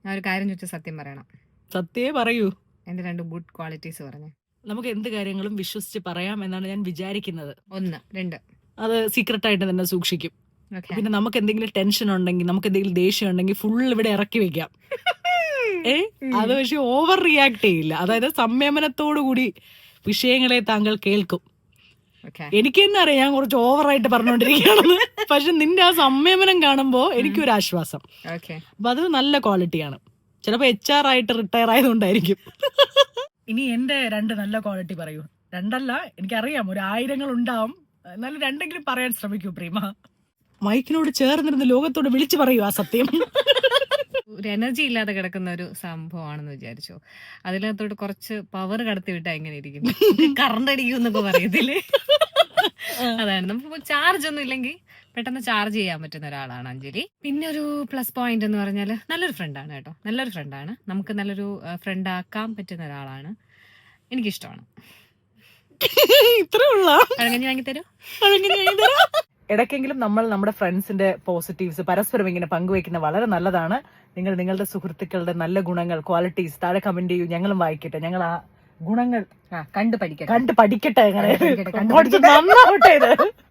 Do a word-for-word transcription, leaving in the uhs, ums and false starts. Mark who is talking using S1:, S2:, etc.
S1: ഞാൻ ഒരു കാര്യം ചോദിച്ചാൽ സത്യം പറയണം.
S2: സത്യേ പറയൂ.
S1: എന്റെ രണ്ട് ഗുഡ് ക്വാളിറ്റീസ് പറഞ്ഞു.
S2: നമുക്ക് എന്ത് കാര്യങ്ങളും വിശ്വസിച്ച് പറയാം എന്നാണ് ഞാൻ വിചാരിക്കുന്നത്.
S1: ഒന്ന് രണ്ട്
S2: അത് സീക്രട്ട് ആയിട്ട് തന്നെ സൂക്ഷിക്കും.
S1: ഓക്കെ.
S2: പിന്നെ നമുക്ക് എന്തെങ്കിലും ടെൻഷൻ ഉണ്ടെങ്കിൽ, നമുക്ക് എന്തെങ്കിലും ദേഷ്യം ഉണ്ടെങ്കിൽ ഫുൾ ഇവിടെ ഇറക്കി വെക്കാം. ഏ അത് പക്ഷെ ഓവർ റിയാക്ട് ചെയ്യില്ല. അതായത് സംയമനത്തോടു കൂടി വിഷയങ്ങളെ താങ്കൾ കേൾക്കും.
S1: ഓക്കെ.
S2: എനിക്ക് തന്നെ അറിയാം ഞാൻ കുറച്ച് ഓവറായിട്ട് പറഞ്ഞുകൊണ്ടിരിക്കുകയാണെന്ന്. പക്ഷെ നിന്റെ ആ സംയമനം കാണുമ്പോൾ എനിക്കൊരു ആശ്വാസം.
S1: ഓക്കെ.
S2: അപ്പൊ അത് നല്ല ക്വാളിറ്റിയാണ്. ചിലപ്പോ എച്ച് ആർ ആയിട്ട് റിട്ടയർ ആയതുകൊണ്ടായിരിക്കും. ഇനി എന്റെ രണ്ട് നല്ല ക്വാളിറ്റി പറയൂ. രണ്ടല്ല, എനിക്കറിയാം ഒരു ആയിരങ്ങൾ ഉണ്ടാവും, എന്നാലും രണ്ടെങ്കിലും പറയാൻ ശ്രമിക്കൂ പ്രീമ. മൈക്കിനോട് ചേർന്നിരുന്ന് ലോകത്തോട് വിളിച്ചു പറയൂ ആ സത്യം.
S1: ഒരു എനർജി ഇല്ലാതെ കിടക്കുന്ന ഒരു സംഭവമാണെന്ന് വിചാരിച്ചോ. അതിനകത്തോട്ട് കുറച്ച് പവർ കടത്തി വിട്ടാ എങ്ങനെ ഇരിക്കും? കറണ്ട് അടിക്കും എന്നൊക്കെ പറയത്തില്ലേ, അതാണ്. നമുക്ക് ചാർജ് ഒന്നും ഇല്ലെങ്കിൽ പെട്ടെന്ന് ചാർജ് ചെയ്യാൻ പറ്റുന്ന ഒരാളാണ് അഞ്ജലി. പിന്നെ ഒരു പ്ലസ് പോയിന്റ് എന്ന് പറഞ്ഞാൽ നല്ലൊരു ഫ്രണ്ടാണ് കേട്ടോ. നല്ലൊരു ഫ്രണ്ടാണ്, നമുക്ക് നല്ലൊരു ഫ്രണ്ട് ആക്കാൻ പറ്റുന്ന ഒരാളാണ്. എനിക്കിഷ്ടമാണ്.
S2: ഇത്രേ ഉള്ള
S1: പഴങ്കഞ്ഞി വാങ്ങിത്തരൂ.
S2: ഇടയ്ക്കെങ്കിലും നമ്മൾ നമ്മുടെ ഫ്രണ്ട്സിന്റെ പോസിറ്റീവ്സ് പരസ്പരം ഇങ്ങനെ പങ്കുവെക്കുന്ന വളരെ നല്ലതാണ്. നിങ്ങൾ നിങ്ങളുടെ സുഹൃത്തുക്കളുടെ നല്ല ഗുണങ്ങൾ, ക്വാളിറ്റീസ് താഴെ കമന്റ് ചെയ്യൂ. ഞങ്ങളും വായിക്കട്ടെ. ഞങ്ങൾ ആ ഗുണങ്ങൾ
S1: കണ്ടു പഠിക്കട്ടെ
S2: കണ്ട് പഠിക്കട്ടെ. അങ്ങനെ
S1: പഠിക്കട്ടെ, കണ്ട്
S2: നന്നാവട്ടെ ഇത്.